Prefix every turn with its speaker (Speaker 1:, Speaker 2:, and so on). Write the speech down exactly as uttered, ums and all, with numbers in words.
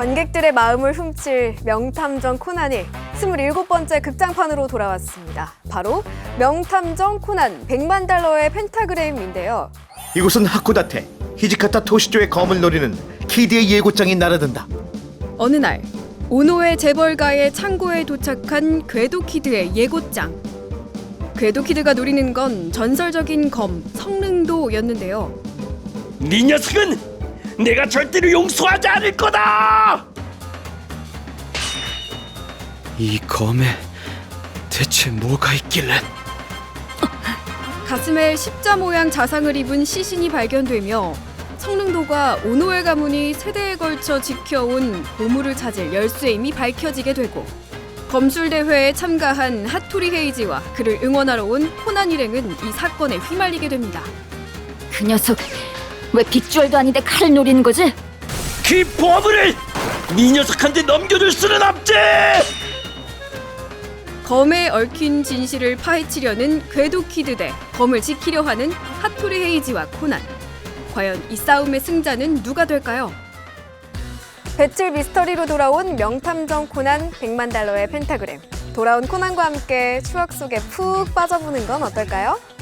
Speaker 1: 관객들의 마음을 훔칠 명탐정 코난이 스물일곱 번째 극장판으로 돌아왔습니다. 바로 명탐정 코난 백만 달러의 펜타그램인데요.
Speaker 2: 이곳은 하코다테 히지카타 토시조의 검을 노리는 키드의 예고장이 날아든다.
Speaker 3: 어느 날 오노의 재벌가의 창고에 도착한 궤도키드의 예고장. 궤도키드가 노리는 건 전설적인 검 성능도였는데요.
Speaker 4: 네 녀석은 내가 절대로 용서하지 않을 거다!
Speaker 5: 이 검에 대체 뭐가 있길래?
Speaker 3: 가슴에 십자 모양 자상을 입은 시신이 발견되며 성능도가 오노의 가문이 세대에 걸쳐 지켜온 보물을 찾을 열쇠임이 밝혀지게 되고, 검술대회에 참가한 하토리 헤이지와 그를 응원하러 온 코난 일행은 이 사건에 휘말리게 됩니다.
Speaker 6: 그 녀석 왜 빅주얼도 아닌데 칼을 노리는 거지?
Speaker 4: 그 보물을 네 녀석한테 넘겨줄 수는 없지!
Speaker 3: 검에 얽힌 진실을 파헤치려는 궤도키드 대 검을 지키려 하는 하토리 헤이지와 코난. 과연 이 싸움의 승자는 누가 될까요?
Speaker 1: 배틀 미스터리로 돌아온 명탐정 코난 백만 달러의 펜타그램. 돌아온 코난과 함께 추억 속에 푹 빠져보는 건 어떨까요?